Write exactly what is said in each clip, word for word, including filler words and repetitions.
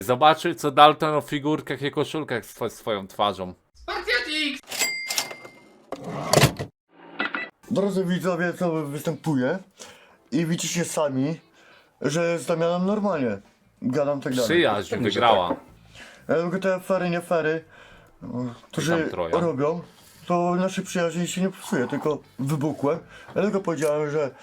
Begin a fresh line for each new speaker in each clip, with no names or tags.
Zobaczył co Dalton o figurkach i koszulkach z tw swoją twarzą.
Drodzy widzowie, co występuje i widzicie sami, że z Damianem normalnie gadam tak dalej.
Przyjaźń wygrała.
Tylko te afery, nie afery, którzy
Trojan.
robią, to naszej przyjaźni się nie psuje, tylko wybuchłem. Ja tylko powiedziałem, że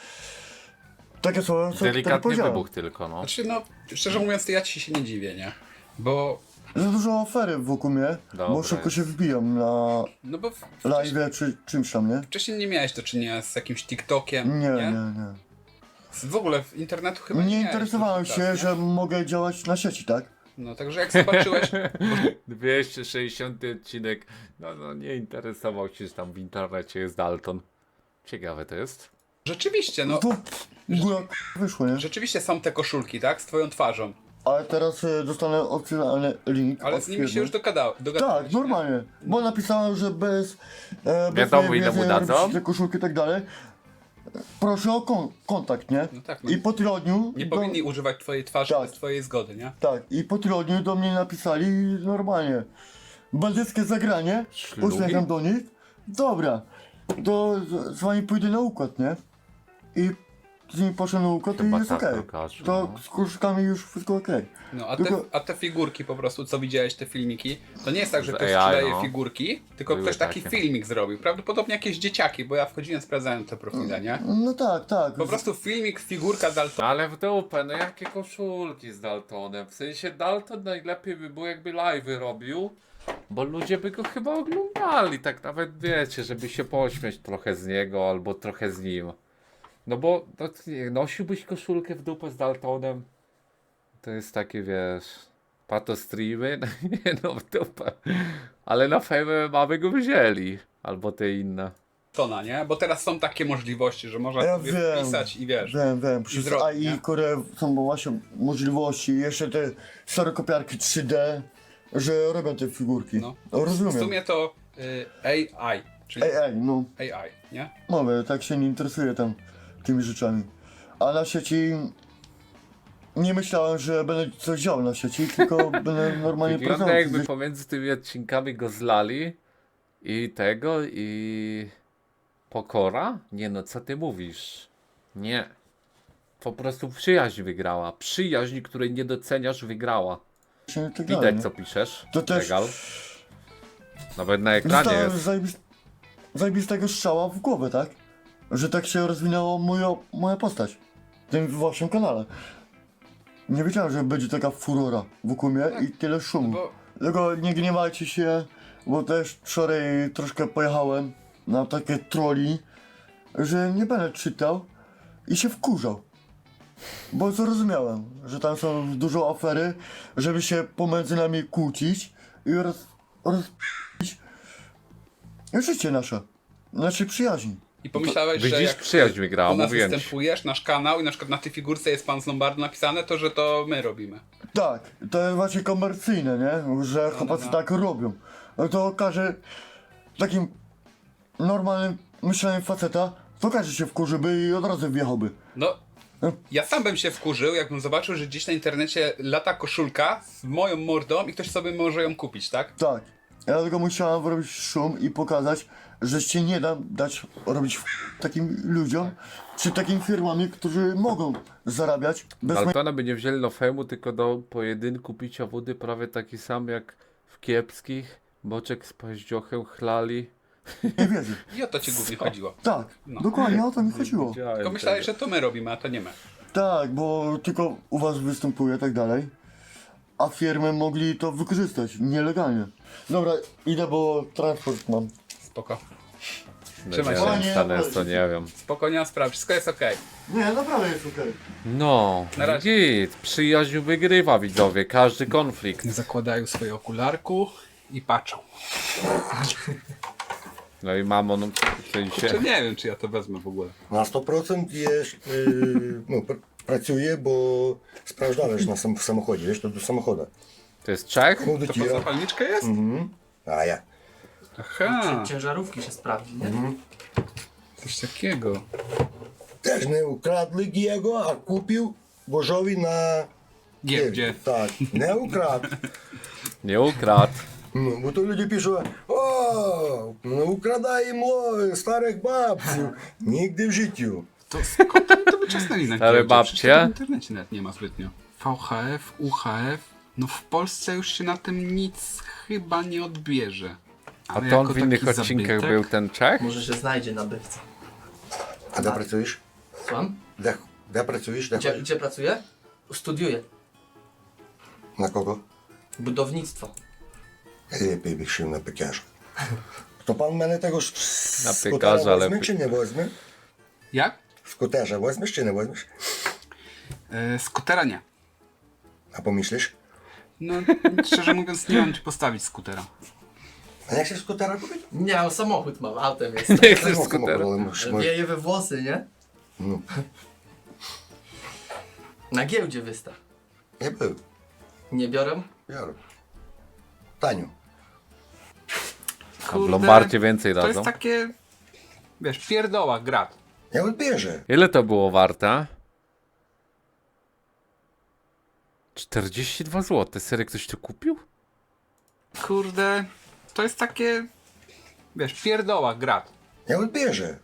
takie słowa, co tak
Delikatny
powiedziałem.
wybuch tylko, no.
Znaczy, no, szczerze mówiąc, to ja ci się nie dziwię, nie? Bo,
Za dużo afery wokół mnie, bo
Dobra
szybko
jest.
się wbijam na
no bo w-
live czy czymś tam, nie?
wcześniej nie miałeś do czynienia z jakimś TikTokiem,
Nie,
nie?
nie, nie.
Z- W ogóle w internetu chyba nie,
Nie
miałeś
interesowałem
dotychczas,
się,
nie?
że mogę działać na sieci, tak?
No, także jak zobaczyłeś,
dwieście sześćdziesiąty odcinek. No, no nie interesował się, że tam w internecie jest Dalton. Ciekawe to jest.
rzeczywiście, no,
To góra wyszło, nie?
rzeczywiście są te koszulki, tak? Z twoją twarzą.
Ale teraz e, dostanę opcjonalny link.
Ale
od
z nimi się
firmy.
już dogada, dogadałeś.
Tak, normalnie. Bo napisałem, że bez. E, bez
Wiadomo,
mojej
ile mu
wiedzy
dadzą?
robić te koszulki i tak dalej. Proszę o kon kontakt, nie?
No tak, no.
I po tygodniu.
Nie
do,
powinni używać twojej twarzy
Tak.
bez twojej zgody, nie?
Tak, i po tygodniu do mnie napisali normalnie. Bandyckie zagranie.
Ślugi?
Uśmiecham do nich. Dobra, to z, z wami pójdę na układ, nie? I z nimi poszedłem na układ
Chyba
i jest
tak,
okej.
Łukasz,
To
no.
z koszulkami już wszystko okej.
No, a te,
Tylko-
a te figurki po prostu, co widziałeś, te filmiki, to nie jest tak, że
Z
ktoś
A I,
sprzedaje
no.
figurki, tylko
Były
ktoś taki
takie.
filmik zrobił. Prawdopodobnie jakieś dzieciaki, bo ja wchodziłem, sprawdzałem te profile, nie?
No tak, tak.
Po prostu filmik, figurka Daltona.
Ale w dupę, no jakie koszulki z Daltonem? W sensie Dalton najlepiej by było jakby live'y robił, bo ludzie by go chyba oglądali, tak nawet wiecie, żeby się pośmiać trochę z niego albo trochę z nim. No bo no, nie, nosiłbyś koszulkę w dupę z Daltonem? To jest takie, wiesz, pato streamy? Nie no, w dupę. Ale na Fame mamy go wzięli, albo te inne.
Tona, nie? Bo teraz są takie możliwości, że można
Ja
sobie
wiem,
wpisać i wiesz.
Wiem, wiem, przez
zrobić,
A I,
nie?
które są właśnie możliwości, jeszcze te stereokopiarki trzy D, że robią te figurki.
No.
No.
W
Rozumiem.
sumie to y, A I, czyli
Ej, ej, no,
A I, nie?
mówię, tak się nie interesuję tam tymi rzeczami. A na sieci nie myślałem, że będę coś działał na sieci, tylko będę normalnie
Wygląda
pracował.
jakby pomiędzy tymi odcinkami go zlali i tego i pokora? Nie no, co ty mówisz? Nie. Po prostu przyjaźń wygrała. Przyjaźń, której nie doceniasz, wygrała.
Tak dalej,
Widać
nie?
co piszesz.
To też-
Legal. Nawet na ekranie
Dostałem
jest.
zajebis- zajebistego strzała w głowę, tak? Że tak się rozwinęła moja, moja postać. W tym waszym kanale. Nie wiedziałem, że będzie taka furora wokół mnie i tyle szumu.
Bo
Tylko nie gniewajcie się, bo też wczoraj troszkę pojechałem na takie troli, że nie będę czytał i się wkurzał. Bo zrozumiałem, że tam są dużo afery, żeby się pomiędzy nami kłócić i roz... roz... życie nasze, naszej przyjaźni.
i pomyślałeś, że
Widzisz,
jak
przyjaźń wygrała,
u nas
mówiłem ci.
występujesz, nasz kanał i na przykład na tej figurce jest pan z Lombardu napisane, to że to my robimy.
Tak, to jest właśnie komercyjne, nie? Że chłopacy
no.
tak robią. No to każe takim normalnym myśleniem faceta, to każe się wkurzyłby i od razu wjechałby.
No, ja sam bym się wkurzył, jakbym zobaczył, że gdzieś na internecie lata koszulka z moją mordą i ktoś sobie może ją kupić, tak?
Tak. Ja tylko musiałem robić szum i pokazać, że się nie da dać robić f- takim ludziom, czy takim firmami, którzy mogą zarabiać bez mojej
Daltona by nie wzięli do fejmu, tylko do pojedynku picia wody prawie taki sam jak w kiepskich. Boczek z paździochem chlali.
wiedzy.
I o to ci głównie chodziło.
Tak,
No.
dokładnie o to mi chodziło.
Tylko myślałeś, że to my robimy, a to nie my.
Tak, bo tylko u was występuje i tak dalej. A firmy mogli to wykorzystać nielegalnie. Dobra, idę, bo transport mam.
Spoko.
No
Trzymaj
nie
się.
wiem, Stanes, to nie wiem.
Spoko, nie ma sprawy, wszystko jest okej.
Nie, naprawdę jest okej.
No,
Na razie.
git. Przyjaźń wygrywa, widzowie. Każdy konflikt.
Zakładają swoje okularku i patrzą.
No i mamon w
Czy
sensie.
nie wiem, czy ja to wezmę w ogóle.
На сто процентів є, е, ну, пр- працює, бо спrawdzałeś na sam, w samochodzie, wiesz, to do samochodu.
To jest Czech?
No do
To pod
ciebie.
zapalniczkę jest?
Mhm. A ja.
Aha,
Ciężarówki się sprawdzi, nie?
coś takiego.
Теж не украдли його, а купив божові на
Giełdzie.
Tak, nie ukradł.
Nie ukradł.
No, bo to ludzie piszą, o, no ukradają mło- starych babciów. Nigdy w życiu.
To skąd oni to wyczesnęli na
Stare
giełdzie?
babcie?
Przecież tego w internecie nawet nie ma zbytnio. V H F, U H F, no w Polsce już się na tym nic chyba nie odbierze.
A
Ale
to on
jako
w innych
taki
odcinkach
zabytek-
był ten Czech?
Może się znajdzie nabywca.
A де працюєш?
Słucham?
Де, де працюєш? Де
Gdzie,
ходиш?
gdzie pracuję? Studiuję.
На кого?
Budownictwo.
Lepiej bych się na piekarza. To pan мене tego sz-
Na
skutera
piekarza
weźmie,
lepiej.
czy nie weźmie?
Jak?
Skuterza weźmiesz, czy nie weźmiesz?
E, skutera nie.
A pomyślisz?
No szczerze mówiąc nie mam ci postawić skutera.
A jak chcesz skutera kupić?
Nie, o, samochód mam, autem jest.
Nie chcesz
No,
skutera.
ale masz- masz-
Wieje we włosy, nie?
No.
Na giełdzie wystaw.
Nie był.
Nie biorę?
Biorę. Tanio.
A w Lombardzie więcej
To
dadzą.
jest takie, wiesz, pierdoła, grat.
Ja odbierze.
Ile to było warte? czterdzieści dwa złote. Serio ktoś to kupił?
Kurde, to jest takie, wiesz, pierdoła, grat.
Ja odbierze.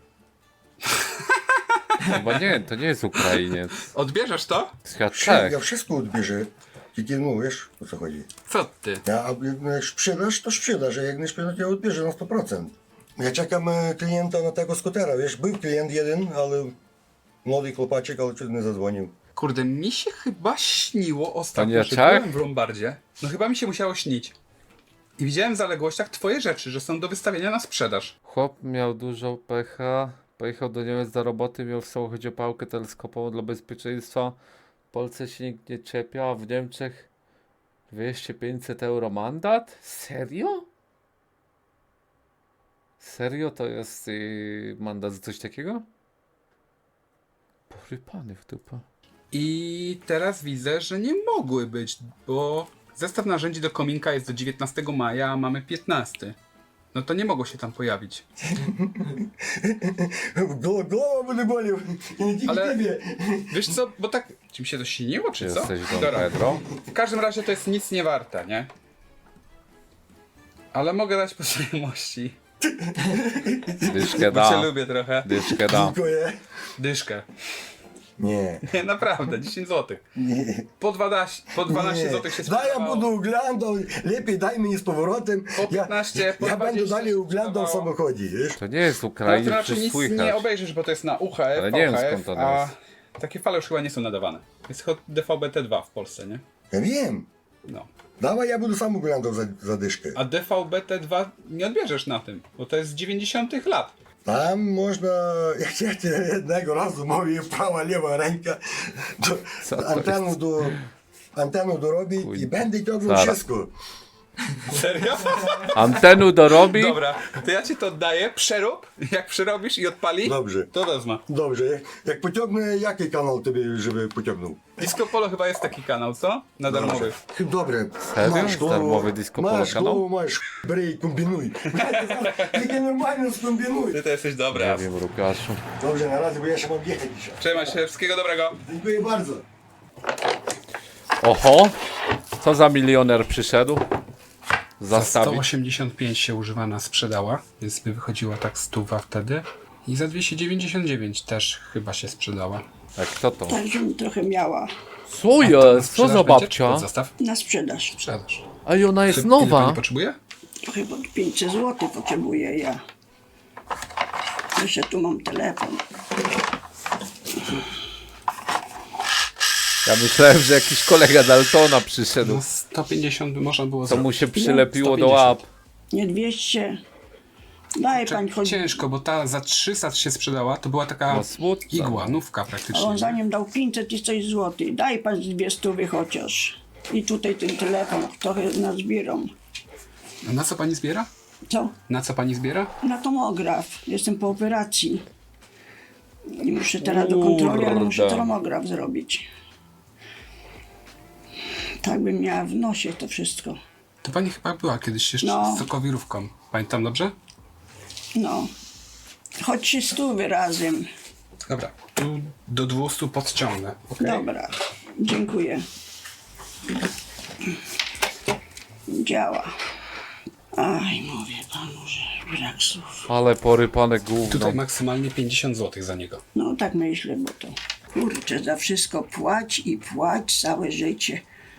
Chyba nie, to nie jest Ukrainiec.
Odbierzesz to?
Chyba
Wszy-
Czech.
Ja wszystko odbierze. Tylko no wiesz, o co chodzi.
Co ty?
Ja, a jak no, jak sprzedasz, to sprzedasz, a jak nie sprzedasz, ja odbierze na sto procent. Ja czekam e, klienta na tego skutera, wiesz, był klient jeden, ale młody chłopaczek, ale czy nie zadzwonił.
Kurde, mi się chyba śniło
To
ostatnio,
nie
że
Czech?
byłem w Lombardzie. No chyba mi się musiało śnić. I widziałem w zaległościach twoje rzeczy, że są do wystawienia na sprzedaż.
Chłop miał dużo pecha. Pojechał do Niemiec do roboty, miał w samochodzie pałkę teleskopową dla bezpieczeństwa. W Polsce się nikt nie czepia, a w Niemczech dwieście pięćset euro mandat? Serio? Serio to jest yy, mandat za coś takiego? Porypany w dupę.
I teraz widzę, że nie mogły być, bo zestaw narzędzi do kominka jest do dziewiętnastego maja, a mamy piętnastego. No to nie mogło się tam pojawić.
Głowa, głowa będzie bolił. I nie tylko
Ale-
ciebie.
Wiesz co, bo tak, ci mi się to śniło, czy co?
Jesteś Don
Dobra.
Pedro?
W każdym razie to jest nic nie warte, nie? Ale mogę dać po znajomości,
Dyszkę
bo cię
da.
lubię trochę.
Dyszkę da.
Dziękuję.
Dyszkę.
Nie.
Nie, naprawdę, dziesięć złotych.
Nie.
Po dwanaście, po dwanaście
Nie.
złotych się
Daj, ja
sprzedawało.
budu oglądał, lepiej daj mi z powrotem.
Po piętnaście,
ja,
po
ja będę
dwadzieścia
dalej
się
oglądał w
sprzedawało.
samochodzie, wiesz?
To nie jest
No to
Ukrainiec,
raczej
to
nic
słychać.
nie obejrzysz, bo to jest na U H F,
Ale nie wiem,
V H F,
skąd to
a
jest.
takie fale już chyba nie są nadawane. Jest tylko D V B T dwa w Polsce, nie?
Ja wiem.
No.
Dawaj, ja będę sam oglądał za, za dyszkę.
A D V B T dwa nie odbierzesz na tym, bo to jest z dziewięćdziesiątych lat.
Tam można, jak ja ci jednego razu mówię, prawa, lewa ręka, do,
Co to
antenu,
jest?
do, antenu dorobić i
Kurde.
będę ciągnął
Zaraz.
wszystko.
Serio?
Antenu dorobi?
Dobra, to ja ci to oddaję, przerób, jak przerobisz i odpali,
Dobrze.
to wezmę.
Dobrze, jak pociągnę, jaki kanał tobie, żeby pociągnął?
Disco Polo chyba jest taki kanał, co? Na darmowy.
Dobre.
Serio? Darmowy disco polo
masz
kanał?
głowę, masz bry i kombinuj. Tylko normalnie skombinuj.
Ty to jesteś
Nie
dobra.
wiem, Łukaszu.
Dobrze, na razie, bo ja się mam jechać dzisiaj.
Trzymaj się, wszystkiego dobrego.
Dziękuję bardzo.
Oho! Co za milioner przyszedł?
Za sto
Zastawić.
osiemdziesiąt pięć się używana sprzedała, więc by wychodziła tak stuwa wtedy. I za dwieście dziewięćdziesiąt dziewięć też chyba się sprzedała.
A kto to?
Także bym trochę miała
Co
Na
jest? Co
sprzedaż
za
będzie, czy
babcia?
pod Zastaw?
na sprzedaż.
Sprzedaż.
A i ona jest
Ile
nowa.
pani potrzebuje?
Trochę pod pięćset złotych potrzebuję ja. Jeszcze tu mam telefon.
Ja myślałem, że jakiś kolega Daltona przyszedł.
No sto pięćdziesiąt by można było
Co mu
zrobić.
się przylepiło do
sto
łap.
Nie dwieście. Daj pan choć.
Ciężko, bo ta za trzysta się sprzedała, to była taka
No smutno.
igłanówka
A on
praktycznie.
za nim dał pięćset i coś złotych. Daj pan z dwie stówy chociaż. I tutaj ten telefon trochę nazbieram.
A na co pani zbiera?
Co?
Na co pani zbiera?
Na tomograf. Jestem po operacji. I muszę teraz do kontroli, ale muszę
Kurde.
tomograf zrobić. Tak bym miała w nosie to wszystko.
To pani chyba była kiedyś jeszcze
No.
z sokowirówką. Pamiętam dobrze?
No. Choć trzy stówy razem.
Dobra, tu do dwustu podciągnę. Okay?
Dobra. Dziękuję. Działa. Aj, mówię panu, że brak słów.
Ale porypane gówno.
Tutaj maksymalnie pięćdziesiąt złotych za niego.
No tak myślę, bo to kurczę, za wszystko płać i płać całe życie.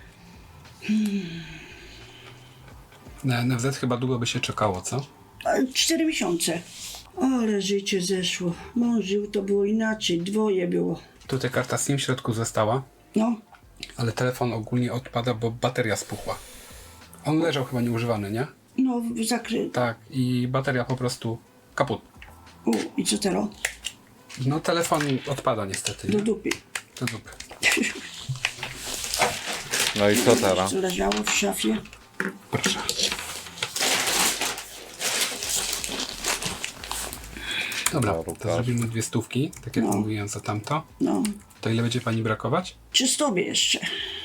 Na N F Z chyba długo by się czekało, co?
A, Cztery miesiące. Ale życie zeszło. Mąż żył, to było inaczej. Dwoje było.
Tutaj karta SIM w środku została,
No,
ale telefon ogólnie odpada, bo bateria spuchła. On leżał chyba nieużywany, nie?
no zakryty.
Tak, i bateria po prostu kaput.
U, i co teraz?
No telefon odpada niestety,
Do
nie?
dupy.
Do dupy.
No i co teraz?
Co leżało w szafie?
Proszę. Dobra,
Dobra,
to
Łukasz.
zrobimy dwie stówki, tak jak
No.
mówiłem za tamto.
No,
To ile będzie pani brakować?
czy stobie jeszcze?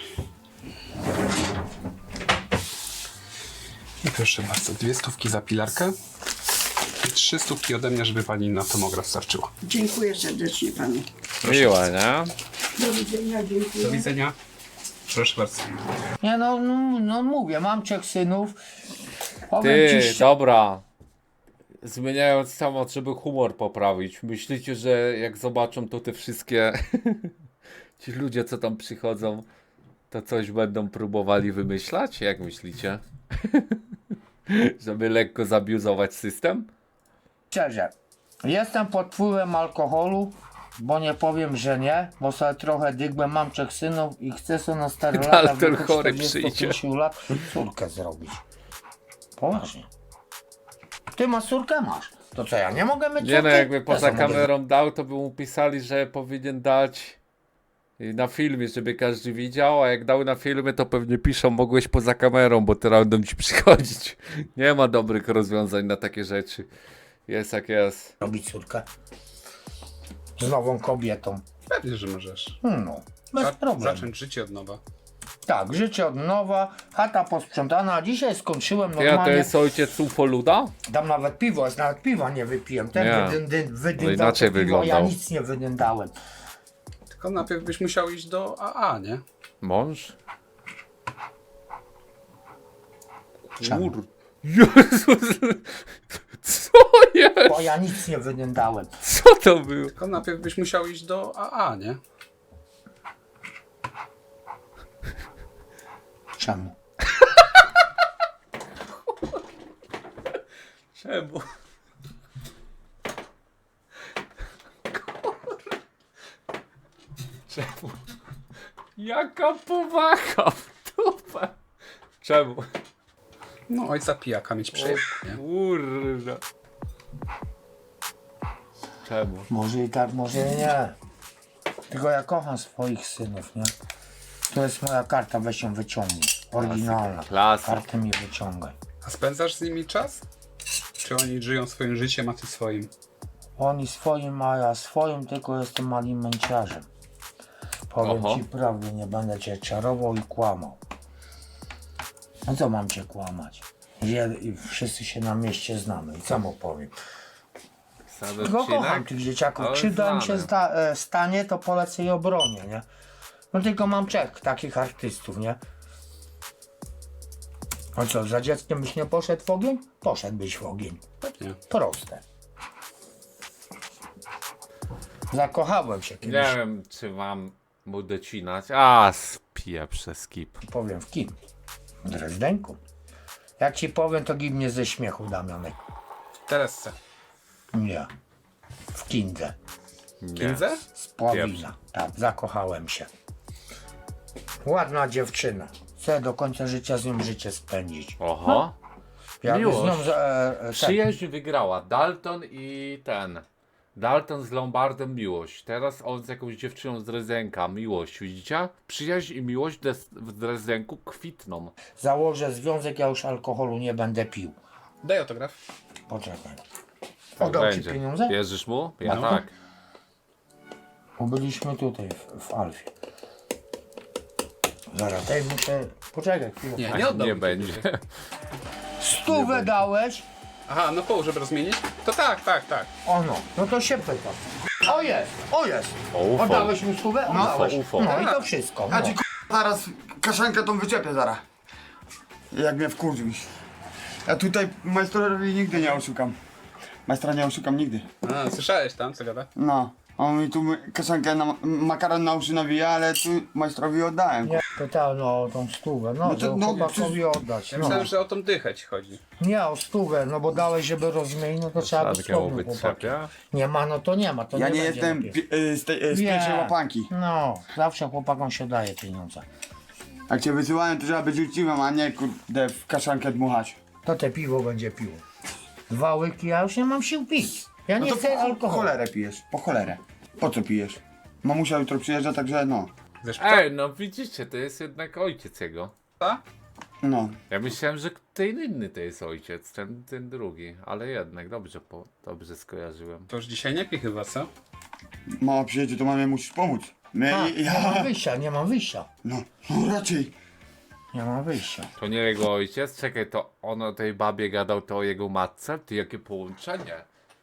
I proszę bardzo, dwie stówki za pilarkę i trzy stówki ode mnie, żeby pani na tomograf starczyła.
Dziękuję serdecznie panu.
Miłe, nie?
Do widzenia, dziękuję.
Do widzenia. Proszę bardzo.
Nie no, no, no mówię, mam trzech synów. Powiem
Ty,
ci szczerze,
dobra. Zmieniając temat, żeby humor poprawić. Myślicie, że jak zobaczą to te wszystkie ci ludzie, co tam przychodzą, to coś będą próbowali wymyślać? Jak myślicie? Żeby lekko zabiuzować system?
szczerze, jestem pod wpływem alkoholu, bo nie powiem, że nie, bo sobie trochę dygłem, mam trzech synów i chcę sobie na stare lata,
Ale
w
ten
wieku
chory
czterdziestu
przyjdzie.
pięciu lat córkę zrobić. Poważnie. Ty masz córkę? Masz. To co, ja nie mogę mieć
Nie no,
córki?
jakby
Ja
poza
sobie mogę-
kamerą dał, to by mu pisali, że powinien dać na filmie, żeby każdy widział, a jak dał na filmie, to pewnie piszą, mogłeś poza kamerą, bo teraz będą ci przychodzić. Nie ma dobrych rozwiązań na takie rzeczy. Jest jak jest.
Robić córkę. Z nową kobietą.
Pewnie, że możesz.
No, bez
Za-
problemu.
Zacząć życie od nowa.
Tak, życie od nowa, chata posprzątana, a dzisiaj skończyłem
Ty, a to
normalnie.
jest ojciec Ufoluda?
Tam nawet piwo jest, nawet piwa nie wypiłem. Ten
Nie.
wydyn,
No
wydyndał
inaczej
to piwo,
wyglądał.
ja nic nie wydyndałem.
Tylko najpierw byś musiał iść do A A, nie?
Mąż?
Czemu?
Kur... Jezus! Co jest?
Bo ja nic nie wydyndałem.
Co to było?
Tylko najpierw byś musiał iść do A A, nie?
Czemu?
Czemu? Czemu? Jaka powaga w dupę? Czemu?
No ojca pijaka mieć przyjemnie, nie?
Kurde. Czemu?
Może i tak, może i nie. Tylko ja kocham swoich synów, nie? To jest moja karta, weź ją wyciągnij. Oryginalna.
Klasyk.
Kartę mi wyciągaj.
A spędzasz z nimi czas? Czy oni żyją swoim życiem, a ty swoim?
Oni swoim, a ja swoim, tylko jestem malim męciarzem. Powiem
Oho.
ci prawdę, nie będę cię czarował i kłamał. No co mam cię kłamać? Że i wszyscy się na mieście znamy i co mu powiem?
Sam
Tylko kocham
odcinek?
tych dzieciaków.
Ale
Krzywda im się
znany.
zda, e, stanie, to polecę i obronię, nie? No tylko mam trzech takich artystów, nie? No co, za dzieckiem byś nie poszedł w ogień? Poszedłbyś w ogień.
Pewnie.
Proste. Zakochałem się kiedyś.
Nie wiem, czy mam mu docinać. A, spiję przez skip.
Powiem w kim? W Drezdenku. Jak ci powiem, to gib mnie ze śmiechu, Damianek.
W Teresce.
Nie. W Kindze.
Nie.
Kindze?
Z Pławina. Tak, zakochałem się. Ładna dziewczyna. Chcę do końca życia z nią życie spędzić.
Oho.
Jak z nią...
Miłość.
E, e, tak.
Przyjaźń wygrała. Dalton i ten. Dalton z Lombardem miłość. Teraz on z jakąś dziewczyną z Drezdenka. Miłość, widzicie? Przyjaźń i miłość des- w Drezdenku kwitną.
Założę związek, ja już alkoholu nie będę pił.
Daj autograf.
Poczekaj.
Tak
Oddał ci
będzie.
pieniądze?
Wierzysz mu? Ja
No.
tak.
Bo byliśmy tutaj w, w Alfie. Zaraz, tutaj muszę... Poczekaj chwilę.
Nie,
Tak
nie oddał
nie
mi
będzie.
Stówę dałeś?
Aha, no pół, żeby rozmienić? To tak, tak, tak.
O no, no to się pytam. O jest, o jest.
O, ufo.
Oddałeś mi stówę? Oddałeś.
ufo.
No i to wszystko. No.
Zaraz
kaszankę tą wyczepię zaraz. Jak mnie wkurzysz. Ja tutaj majstrowi nigdy nie oszukam. Majstra nie oszukam nigdy.
A, słyszałeś tam, co gada?
No, on mi tu kaszankę, na, makaron na uszy nawija, ale tu majstrowi oddałem.
Nie, pytałem no, o tą stówę, no,
No to-
to,
no,
chłopakowi oddać.
Ja
No.
myślałem, że o tą dychę ci chodzi.
Nie, o stówę, no bo dałeś, żeby rozmienić, no to trzeba być
Szankę mu
słownym chłopakiem.
wytrzepia.
Nie ma, no to nie ma, to
Ja
nie
nie
będzie
jestem
lepiej.
pi- y, z, tej, y, z
Nie.
pierwszej łapanki.
No, zawsze chłopakom się daje pieniądze.
Jak cię wysyłałem, to trzeba być uczciwym, a nie kurde w kaszankę dmuchać.
To te piwo będzie piło. Dwa łyki, ja już nie mam sił pić. Ja
No
nie
to
chcę
po, po
alkoholu.
cholerę pijesz, po cholerę. Po co pijesz? Mamusia jutro przyjeżdża, także no.
Zresztą,
Ej, no widzicie, to jest jednak ojciec jego.
ta?
No.
Ja myślałem, że ten inny to jest ojciec, ten, ten drugi, ale jednak dobrze, po, dobrze skojarzyłem.
To już dzisiaj nie pij chyba, co?
Mama przyjedzie, to mamie musisz pomóc. My,
A, nie
ja...
mam wyjścia, nie mam wyjścia.
No, no raczej.
Nie mam wyjścia.
To nie jego ojciec? Czekaj, to on o tej babie gadał, to o jego matce? Ty, jakie połączenie?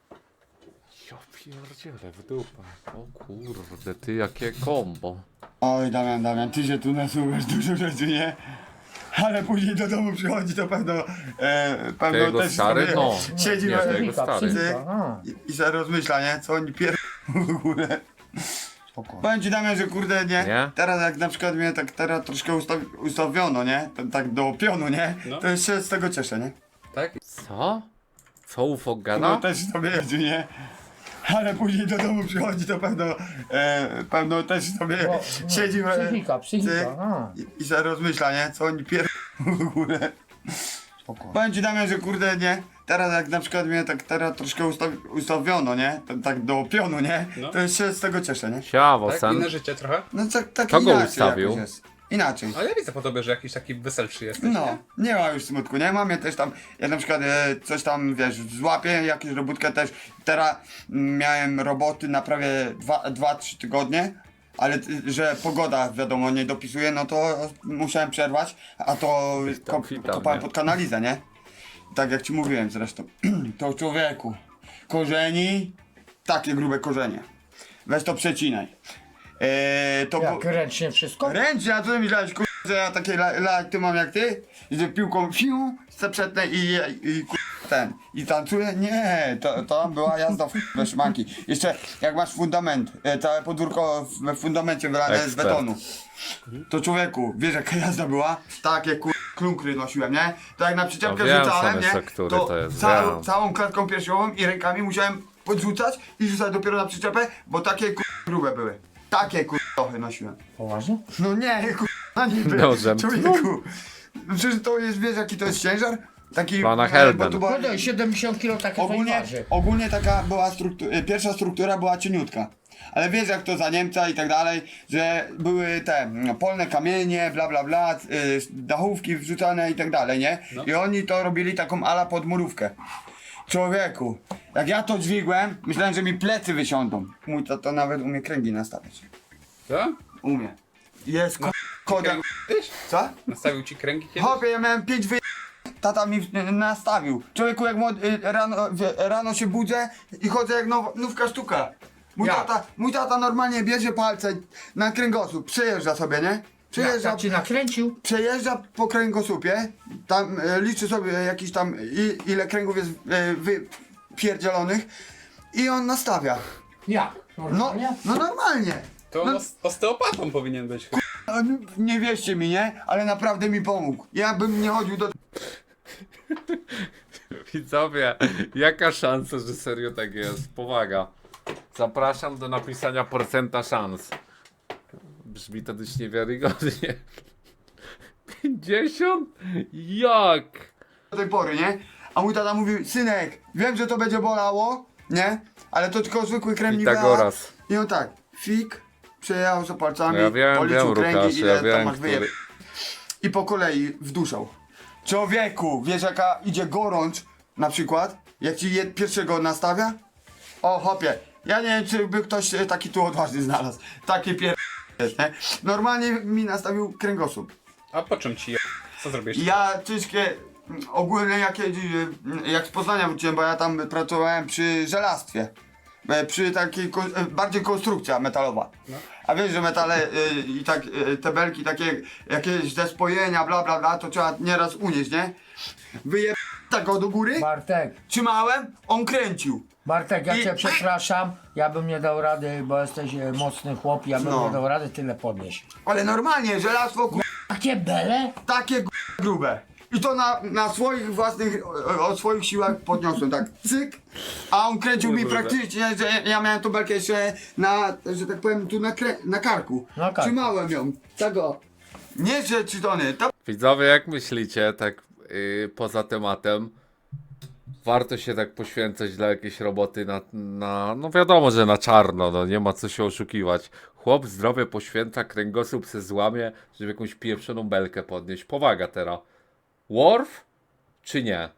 Ja pierdzielę w dupę. O kurde, ty, jakie kombo.
Oj, Damian, Damian, ty się tu nasłuchasz dużo rzeczy, nie? Ale później do domu przychodzi, to pewno, e, pewno
Jego
też
stary?
sobie
No.
siedzi
Nie,
na-
to jego
Psychika,
stary.
psychika, no.
i, i sobie rozmyśla, nie? Co oni pier... w ogóle.
Spokojnie.
Powiem ci, Damian, że kurde, nie?
Nie?
Teraz jak na przykład mnie tak teraz troszkę ustawi, ustawiono, nie? Tak, tak do pionu, nie?
No.
To się z tego cieszę, nie?
Tak?
Co? Co UFO
No
gada?
też sobie jeździ, nie? Ale później do domu przychodzi, to pewno, e, pewno też sobie
Bo, no,
siedzi e,
psychika, psychika,
cyk,
no.
i, i sobie rozmyśla, nie? Co oni pier... w ogóle.
Spokojnie.
Powiem ci, Damian, że kurde, nie? Teraz jak na przykład mnie tak teraz troszkę ustawi, ustawiono, nie? Tak, tak do pionu, nie?
No.
To się z tego cieszę, nie?
Siawo,
Tak?
sen.
Inne życie trochę?
No tak, tak
Kto go
inaczej
ustawił?
jakoś jest. Inaczej.
Ale ja widzę po tobie, że jakiś taki weselszy jesteś,
No,
nie?
nie ma już smutku, nie? Mam je też tam, ja na przykład e, coś tam, wiesz, złapię, jakąś robótkę też. Teraz mm, miałem roboty na prawie dwa trzy tygodnie, ale t- że pogoda, wiadomo, nie dopisuje, no to musiałem przerwać, a to
tam
kop,
witam,
kopałem
nie?
pod kanalizę, nie? Tak jak ci mówiłem zresztą. To człowieku, korzeni, takie grube korzenie. Weź to przecinaj. E, to
Jak
bu-
ręcznie wszystko?
Ręcznie, a co ty myślałeś, kur... że ja takie la- lajty mam jak ty? I że piłką fiu, zaprzednę i, i kur... ten, i tancuję? Nie, to, to była jazda w we szmanki. Jeszcze jak masz fundament, e, całe podwórko w w fundamencie wylane z
Ekspert.
betonu. To człowieku, wiesz jaka jazda była? Takie kur... klunkry nosiłem, nie? To jak na przyczepkę
No wiem,
rzucałem,
sam
nie?
jest, który
To,
to jest,
całą,
wiem.
całą klatką piersiową i rękami musiałem podrzucać i rzucać dopiero na przyczepę, bo takie kur... grube były. Takie kur... nosiłem.
Poważnie?
No nie, kurwa, niby,
Nożem.
człowieku. Przecież to jest, wiesz jaki to jest ciężar? Taki...
Pana
e,
Helden.
bo tu była-
No daj, siedemdziesiąt kilo takie
Ogólnie,
waży.
ogólnie taka była struktura, pierwsza struktura była cieniutka. Ale wiesz jak to za Niemca i tak dalej, że były te mm, polne kamienie, bla bla bla, y, dachówki wrzucane i tak dalej, nie?
No.
I oni to robili taką ala podmurówkę. Człowieku, jak ja to dźwigłem, myślałem, że mi plecy wysiądą. Mój tato nawet umie kręgi nastawiać.
Co?
Umie. Jest ko- koda.
Tyś?
Co?
Nastawił ci kręgi kiedyś?
Hopie, ja miałem pięć wy... Tata mi y, nastawił. Człowieku, jak młody, y, rano, wie- rano się budzę i chodzę jak now, nówka sztuka. Mój
Jak?
tata, mój tata normalnie bierze palce na kręgosłup, przejeżdża sobie, nie?
Jak
Przejeżdża,
tak ci nakręcił?
przejeżdża po kręgosłupie, tam e, liczy sobie jakiś tam, i, ile kręgów jest e, wypierdzielonych i on nastawia.
Jak?
No,
Normalnie?
no normalnie.
To
No,
on os- osteopatą powinien być. chyba.
no, nie wierzcie mi, nie? Ale naprawdę mi pomógł. Ja bym nie chodził do...
Widzowie, jaka szansa, że serio tak jest? Powaga. Zapraszam do napisania procenta szans. Brzmi to dość niewiarygodnie. pięćdziesiąt? Jak?
do tej pory, nie? A mój tata mówił, synek, wiem, że to będzie bolało, nie? Ale to tylko zwykły krem Nivea.
Pitagoras.
I on tak, fik, przejechał za palcami,
No ja wiem,
policzył
wiem,
kręgi,
Łukasz,
ile
ja
tam
wiem,
masz wyjeb...
który...
I po kolei wduszał. Człowieku, wiesz jaka idzie gorącz, na przykład, jak ci je pierwszego nastawia? O, hopie, ja nie wiem, czy by ktoś e, taki tu odważny znalazł. Takie pier... nie? Normalnie mi nastawił kręgosłup.
A po czym ci je... Co zrobisz?
Ja ciężkie, mm, ogólnie jak, jedzie- jak z Poznania wróciłem, bo ja tam pracowałem przy żelastwie.
e, przy takiej, ko- e, bardziej konstrukcja metalowa. A wiesz, że metale e, i tak, e, te belki takie, jakieś zespojenia, bla bla bla, to trzeba nieraz unieść, nie? Wyje... tak go do góry,
Bartek,
trzymałem, on kręcił.
Bartek, ja
I-
cię przepraszam, ja bym nie dał rady, bo jesteś e, mocny chłop, ja bym
No.
nie dał rady tyle podnieść.
Ale normalnie, żelazko, ku...
Takie bele?
takie g- grube. I to na, na swoich własnych, o, o swoich siłach podniosłem, tak cyk. A on kręcił mi praktycznie, że ja miałem tą belkę jeszcze na, że tak powiem, tu na, krę- na karku.
Na karku.
Trzymałem ją, tego. Nie, że trzy tony, to
Widzowie, jak myślicie, tak yy, poza tematem, warto się tak poświęcać dla jakiejś roboty na, na, no wiadomo, że na czarno, no nie ma co się oszukiwać. Chłop zdrowie poświęca, kręgosłup se złamie, żeby jakąś pieprzoną belkę podnieść. Powaga teraz. Worf czy nie?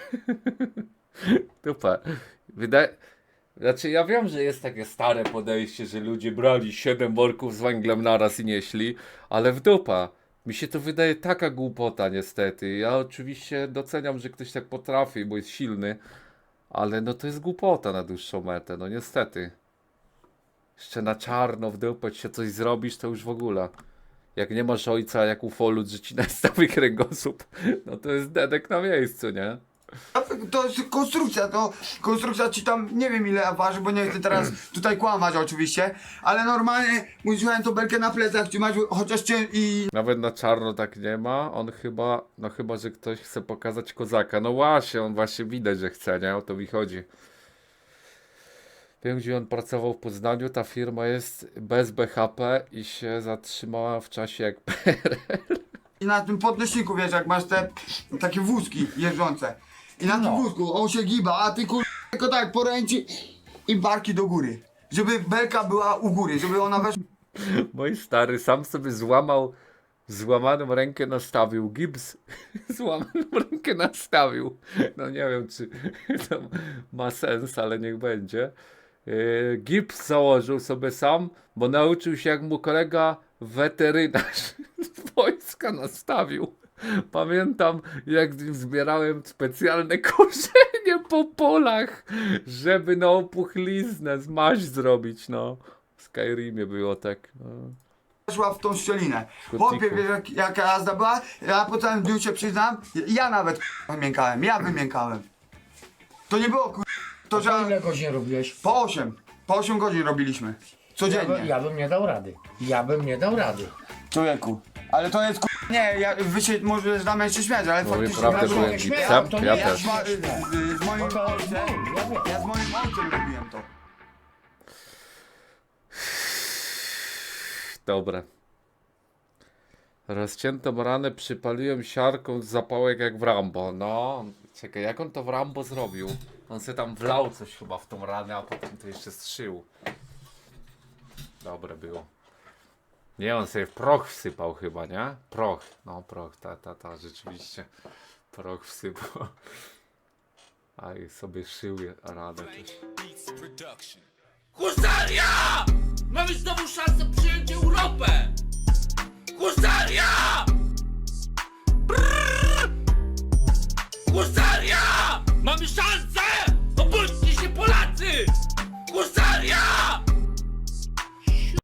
Dupę. Wydaje... Znaczy ja wiem, że jest takie stare podejście, że ludzie brali siedem worków z węglem naraz i nieśli, ale w dupa. Mi się to wydaje taka głupota niestety. Ja oczywiście doceniam, że ktoś tak potrafi, bo jest silny, ale no to jest głupota na dłuższą metę, no niestety. Jeszcze na czarno w dupę się coś zrobisz, to już w ogóle. Jak nie masz ojca jak ufolut, że ci nastawi kręgosłup, no to jest dedek na miejscu, nie?
To jest konstrukcja, to konstrukcja ci tam nie wiem ile waży, bo nie chcę teraz tutaj kłamać oczywiście, ale normalnie musiałem tą belkę na plecach trzymać, chociaż cię i
Nawet na czarno tak nie ma. On chyba, no chyba, że ktoś chce pokazać kozaka. No właśnie, on właśnie widać, że chce, nie? O to mi chodzi. Wiem, gdzie on pracował w Poznaniu. Ta firma jest bez B H P i się zatrzymała w czasie jak P R L.
i na tym podnośniku, wiesz, jak masz te takie wózki jeżdżące. I na tym
No.
wózku on się giba, a ty kur... tylko tak poręczy i barki do góry. Żeby belka była u góry, żeby ona weszła
Mój stary sam sobie złamał, złamaną rękę nastawił. Gips złamaną rękę nastawił. No nie wiem, czy to ma sens, ale niech będzie. Yy, gips założył sobie sam, bo nauczył się, jak mu kolega weterynarz z wojska nastawił. Pamiętam, jak z nim zbierałem specjalne korzenie po polach, żeby na opuchliznę zmaź zrobić, no. W Skyrimie było tak. No.
weszła w tą szczelinę.
Kotliku.
Chłopie, wiesz jak, jaka jazda była? Ja po całym dniu się przyznam, ja nawet wymiękałem, ja wymiękałem. To nie było kur... To
To
że
ile godzin robiłeś?
po osiem, po osiem godzin robiliśmy.
Ja, by,
Codziennie.
ja bym nie dał rady. Ja bym nie dał rady.
Człowieku. Ale to jest kur... Nie, ja, wy się może znamy jeszcze śmiać, ale
Mówię
faktycznie...
prawdę,
ja,
byłem
nie śmieję,
gipsem,
to nie
ja
ja
też.
z, ma- z, z moim
Bo to-
ojcem,
no, ja wiem.
ja z moim ojcem robiłem to.
Dobre. Rozciętą ranę przypaliłem siarką z zapałek jak w Rambo. No, czekaj, jak on to w Rambo zrobił? On se tam wlał coś chyba w tą ranę, a potem to jeszcze strzył. Dobre było. Nie, on sobie w proch wsypał chyba, nie? Proch, no proch, ta, ta, ta, rzeczywiście. Proch wsypał. A i sobie szył ranę też.
Husaria! Mamy znowu szansę przyjąć Europę! Husaria!